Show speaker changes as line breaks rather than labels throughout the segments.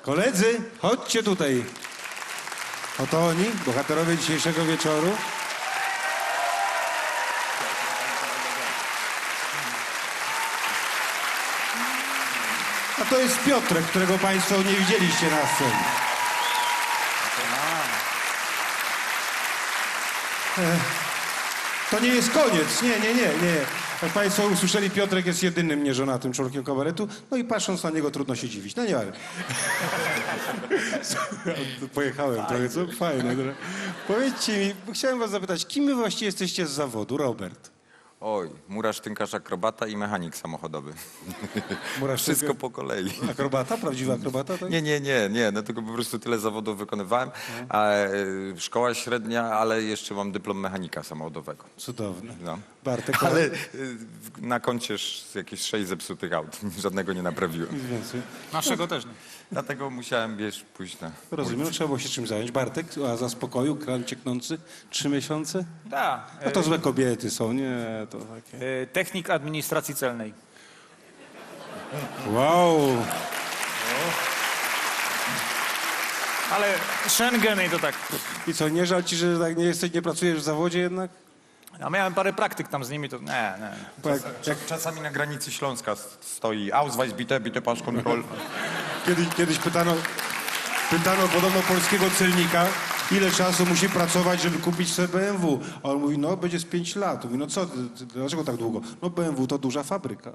Koledzy, chodźcie tutaj. Oto oni, bohaterowie dzisiejszego wieczoru. A to jest Piotrek, którego państwo nie widzieliście na scenie. To nie jest koniec. Nie. Jak państwo usłyszeli, Piotrek jest jedynym nieżonatym członkiem kabaretu. No i patrząc na niego trudno się dziwić. No nie ale. Pojechałem trochę, co? Fajne. Powiedzcie mi, chciałem was zapytać, kim wy właściwie jesteście z zawodu, Robert?
Oj, murarz, tynkarz, akrobata i mechanik samochodowy.
Murarz,
Wszystko po kolei.
Akrobata? Prawdziwy akrobata? Tak?
Nie, no tylko po prostu tyle zawodów wykonywałem. Szkoła średnia, ale jeszcze mam dyplom mechanika samochodowego.
Cudowne.
No.
Bartek,
Ale na koncie jakieś 6 zepsutych aut. Żadnego nie naprawiłem.
więcej.
Naszego też nie.
Dlatego musiałem, pójść na...
Rozumiem, trzeba było się czym zająć. Bartek, a za spokoju, kran cieknący, 3 miesiące?
Tak.
No to złe kobiety są, nie? To takie...
Technik administracji celnej.
Wow!
Ale Schengen i to tak.
I co, nie żal ci, że tak nie pracujesz w zawodzie jednak?
Ja miałem parę praktyk tam z nimi, to nie.
Bo
Czasami na granicy Śląska stoi Ausweis bitte Passkontroll.
Kiedyś pytano podobno polskiego celnika, ile czasu musi pracować, żeby kupić sobie BMW. A on mówi, no będzie z 5 lat. Mówi, no co, dlaczego tak długo? No BMW to duża fabryka.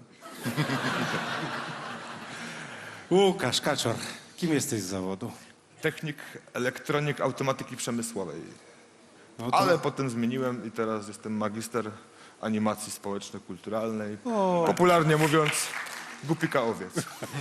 Łukasz Kaczor, kim jesteś z zawodu?
Technik elektronik automatyki przemysłowej.
No to...
Ale potem zmieniłem i teraz jestem magister animacji społeczno-kulturalnej. Popularnie mówiąc, głupika owiec.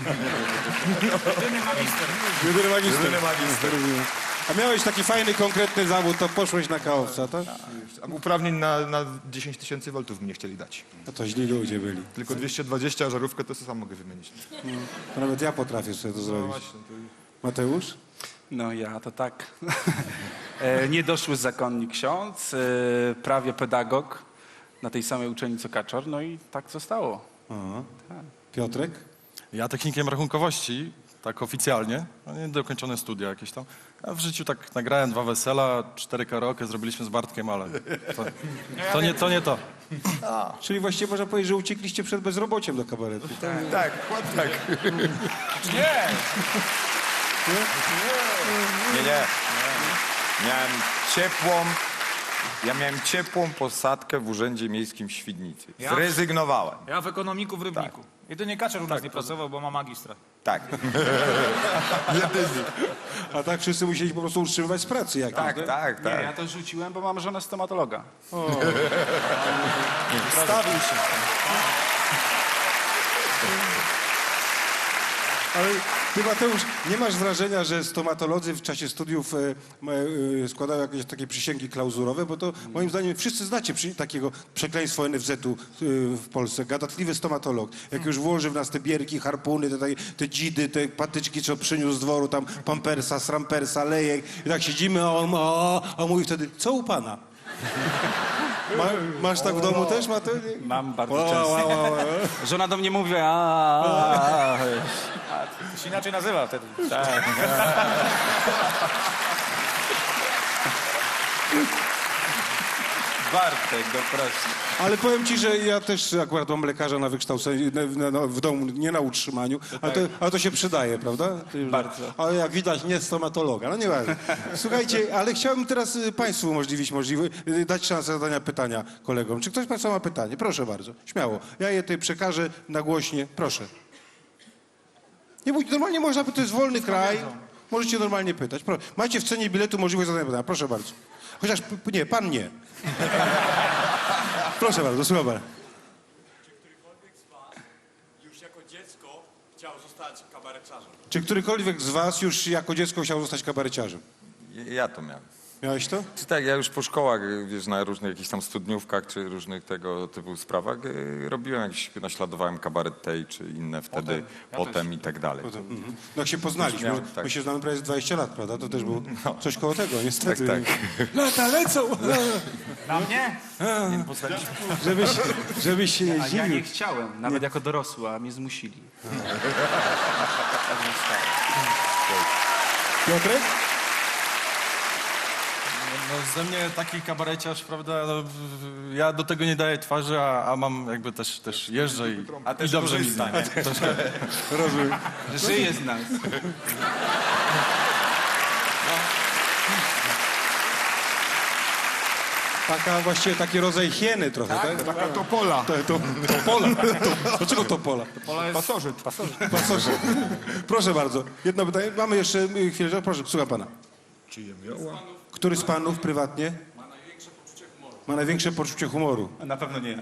Jedyny magister.
Jedyny magister.
Rozumiem. A miałeś taki fajny, konkretny zawód, to poszłeś na kaowca, tak?
A uprawnień na 10 000 voltów mi nie chcieli dać.
No to źli ludzie byli.
Tylko 220, a żarówkę to sam mogę wymienić.
To nawet ja potrafię sobie to
No
zrobić.
właśnie, to...
Mateusz?
No ja to tak. Niedoszły zakonnik ksiądz, prawie pedagog na tej samej uczelni co Kaczor, no i tak zostało.
Aha. Piotrek?
Ja technikiem rachunkowości, tak oficjalnie, no nie dokończone studia jakieś tam. A w życiu tak nagrałem 2 wesela, 4 karaoke zrobiliśmy z Bartkiem, ale to nie to.
Czyli właściwie można powiedzieć, że uciekliście przed bezrobociem do kabaretu.
Tak, tak.
Nie!
Nie. Miałem ciepłą posadkę w Urzędzie Miejskim w Świdnicy.
Ja?
Zrezygnowałem.
Ja w ekonomiku w Rybniku. Jedynie Kaczor u nas nie pracował, bo ma magistra.
Tak.
A tak wszyscy musieli po prostu utrzymywać z pracy jakieś,
Tak.
Nie, ja to rzuciłem, bo mam żonę stomatologa.
Stawił się. Ale ty, Mateusz, nie masz wrażenia, że stomatolodzy w czasie studiów składają jakieś takie przysięgi klauzurowe? Bo to moim zdaniem wszyscy znacie takiego przekleństwo NFZ-u w Polsce. Gadatliwy stomatolog. Jak już włoży w nas te bierki, harpuny, te dzidy, te patyczki, co przyniósł z dworu, tam pampersa, srampersa, lejek. I tak siedzimy, a on mówi wtedy, co u pana? Masz tak w domu też, Mateusz?
Mam bardzo często. Żona do mnie mówi, a.
To się inaczej nazywa wtedy.
Bartek, no proszę.
Ale powiem ci, że ja też akurat mam lekarza na wykształceniu, w domu, nie na utrzymaniu, ale to się przydaje, prawda?
Bardzo.
Ale jak widać, nie stomatologa, no nieważne. Słuchajcie, ale chciałbym teraz państwu dać szansę zadania pytania kolegom. Czy ktoś z państwa ma pytanie? Proszę bardzo, śmiało. Ja je tutaj przekażę nagłośnie, proszę. Nie bójcie, normalnie można, to jest wolny kraj, możecie normalnie pytać. Macie w cenie biletu możliwość zadania pytania, proszę bardzo. Chociaż, nie, pan nie. Proszę bardzo, słucham pana.
Czy którykolwiek z was już jako dziecko chciał zostać kabareciarzem?
Czy którykolwiek z was już jako dziecko chciał zostać kabareciarzem?
Ja to miałem.
Miałeś to?
Tak, ja już po szkołach, wiesz, na różnych jakichś tam studniówkach, czy różnych tego typu sprawach robiłem jakieś, naśladowałem kabaret tej, czy inne wtedy, potem i tak dalej.
No jak się poznaliśmy,
Miałem, tak.
my się znamy prawie z 20 lat, prawda? To też było coś koło tego, niestety.
Tak,
Lata lecą!
Na mnie?
Żebyś się nie
A ja nie
zdziwił.
chciałem, nawet jako dorosły, a mnie zmusili.
Piotrek?
No ze mnie taki kabareciarz, prawda, no, ja do tego nie daję twarzy, a mam jakby też jeżdżę i dobrze mi stanie.
Rozumiem.
Żyje z nas.
Taka właściwie taki rodzaj hieny trochę, tak?
Taka topola.
To pola. Dlaczego to pola?
Pasożyt.
Pasożyt. Proszę bardzo. Jedno pytanie. Mamy jeszcze chwilę. Proszę, słucham pana.
Czyje miała?
Który z panów prywatnie ma największe poczucie humoru?
Na pewno nie ja.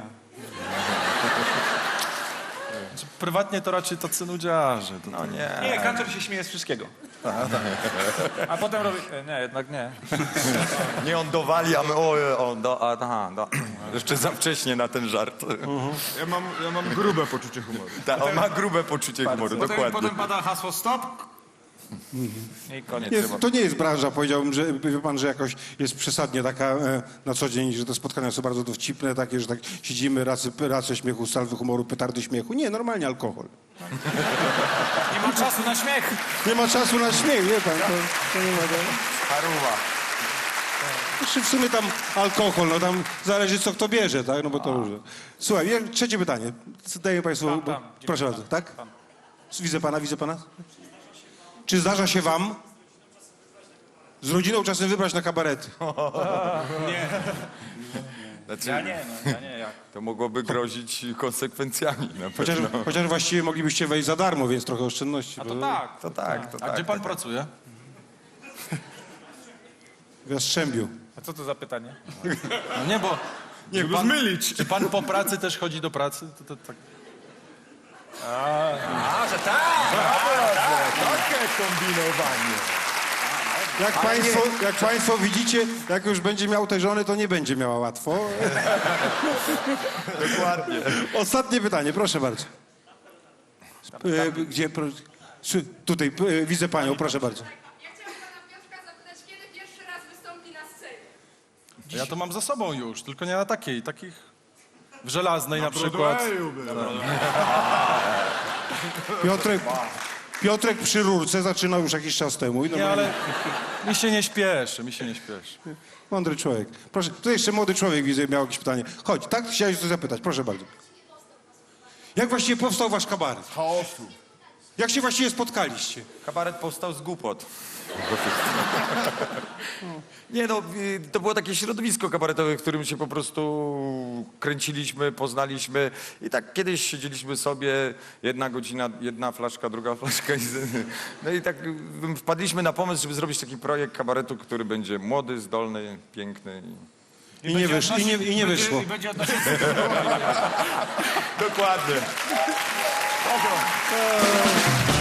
Prywatnie to raczej tacy nudziarze. To,
No nie.
Nie, Kaczor się śmieje z wszystkiego.
A potem robi... Nie, jednak nie.
Nie on dowali, a my jeszcze za wcześnie na ten żart.
Ja mam grube poczucie humoru.
Tak, on ma grube poczucie humoru, dokładnie.
Potem pada hasło stop. I koniec.
To nie jest branża, powiedziałbym, że wie pan, że jakoś jest przesadnie taka na co dzień, że te spotkania są bardzo dowcipne, takie, że tak siedzimy, race śmiechu, salwy humoru, petardy śmiechu. Nie, normalnie alkohol.
Nie mam czasu na śmiech.
Nie ma czasu na śmiech, wie pan, to nie ma.
Paruwa.
Znaczy w sumie tam alkohol, no tam zależy co kto bierze, tak, no bo to różne. Słuchaj, trzecie pytanie. Daję państwu,
Tam,
proszę bardzo, tak? Widzę pana. Czy zdarza się wam z rodziną czasem wybrać na kabarety?
Znaczy,
Ja nie, jak.
to mogłoby grozić konsekwencjami na pewno.
Chociaż właściwie moglibyście wejść za darmo, więc trochę oszczędności.
A to tak.
To tak, to
a
tak.
gdzie pan
tak.
pracuje?
W Jastrzębiu.
A co to za pytanie?
No nie, bo...
Nie,
czy
bo zmylić.
Czy pan po pracy też chodzi do pracy? To tak...
A, że tak!
Takie kombinowanie.
Jak państwo widzicie, jak już będzie miał te żony, to nie będzie miała łatwo.
Dokładnie.
Ostatnie pytanie, proszę bardzo. Gdzie? Tutaj, widzę panią, proszę bardzo.
Ja chciałam pana Piotrka zapytać, kiedy pierwszy raz wystąpi na scenie?
Ja to mam za sobą już, tylko nie na takich w żelaznej na przykład.
Piotrek przy rurce zaczynał już jakiś czas temu. I
Nie, ale mi się nie śpieszy.
Mądry człowiek. Proszę, tu jeszcze młody człowiek widzę, miał jakieś pytanie. Chodź, tak? Chciałeś coś zapytać, proszę bardzo. Jak właściwie powstał wasz kabaret?
Chaosu.
Jak się właściwie spotkaliście?
Kabaret powstał z głupot. Nie no, to było takie środowisko kabaretowe, w którym się po prostu kręciliśmy, poznaliśmy i tak kiedyś siedzieliśmy sobie, 1 godzina, 1 flaszka, 2 flaszka no i tak wpadliśmy na pomysł, żeby zrobić taki projekt kabaretu, który będzie młody, zdolny, piękny.
I nie wyszło.
I będzie odnosił...
Dokładnie.